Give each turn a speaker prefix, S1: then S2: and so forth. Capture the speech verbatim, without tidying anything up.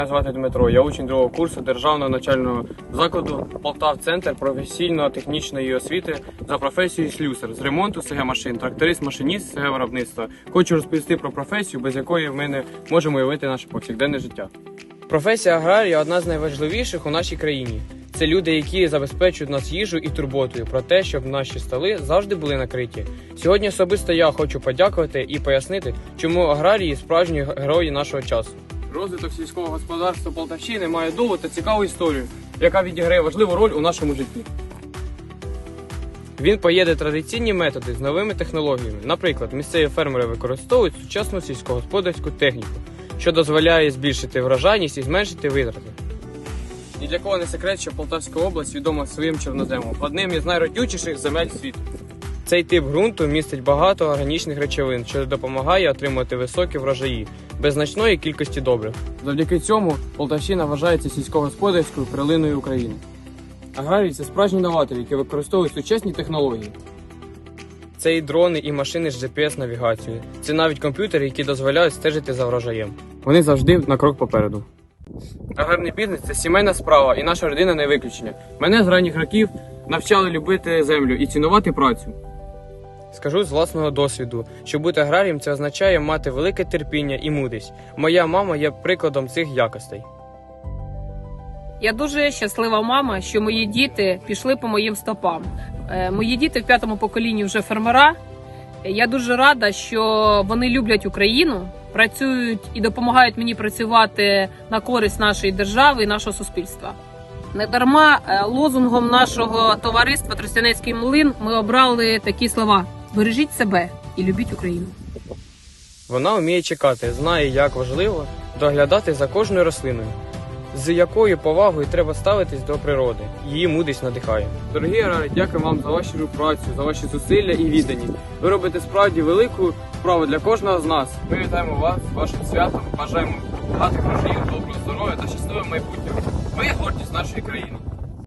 S1: Мене звати Дмитро, я учень другого курсу Державного навчального закладу Полтав-Центр професійно-технічної освіти за професією слюсар з ремонту ес ге машин, тракторист-машиніст ес ге виробництва. Хочу розповісти про професію, без якої ми не можемо уявити наше повсякденне життя. Професія аграрія – одна з найважливіших у нашій країні. Це люди, які забезпечують нас їжу і турботою про те, щоб наші столи завжди були накриті. Сьогодні особисто я хочу подякувати і пояснити, чому аграрії – справжні герої нашого часу. Розвиток сільського господарства Полтавщини має довгу та цікаву історію, яка відіграє важливу роль у нашому житті. Він поєднує традиційні методи з новими технологіями. Наприклад, місцеві фермери використовують сучасну сільськогосподарську техніку, що дозволяє збільшити врожайність і зменшити витрати. Ні для кого не секрет, що Полтавська область відома своїм чорноземом, одним із найродючіших земель світу. Цей тип ґрунту містить багато органічних речовин, що допомагає отримати високі врожаї, без значної кількості добрив. Завдяки цьому Полтавщина вважається сільськогосподарською перлиною України. Аграрії – це справжні новатори, які використовують сучасні технології. Це і дрони, і машини з джі пі ес-навігацією. Це навіть комп'ютери, які дозволяють стежити за врожаєм. Вони завжди на крок попереду. Аграрний бізнес – це сімейна справа, і наша родина не виключення. Мене з ранніх років навчали любити землю і цінувати працю. Скажу з власного досвіду, що бути аграрієм – це означає мати велике терпіння і мудрість. Моя мама є прикладом цих якостей.
S2: Я дуже щаслива мама, що мої діти пішли по моїм стопам. Мої діти в п'ятому поколінні вже фермера. Я дуже рада, що вони люблять Україну, працюють і допомагають мені працювати на користь нашої держави і нашого суспільства. Недарма лозунгом нашого товариства «Тростянецький млин» ми обрали такі слова: «Бережіть себе і любіть Україну».
S1: Вона вміє чекати, знає, як важливо доглядати за кожною рослиною, з якою повагою треба ставитись до природи. Її мудрість надихає. Дорогі аграрії, дякую вам за вашу працю, за ваші зусилля і відданість. Ви робите справді велику справу для кожного з нас. Ми вітаємо вас з вашим святом, бажаємо багатих врожаїв, доброго здоров'я та щасливого майбутнього. Ви гордість нашої країни.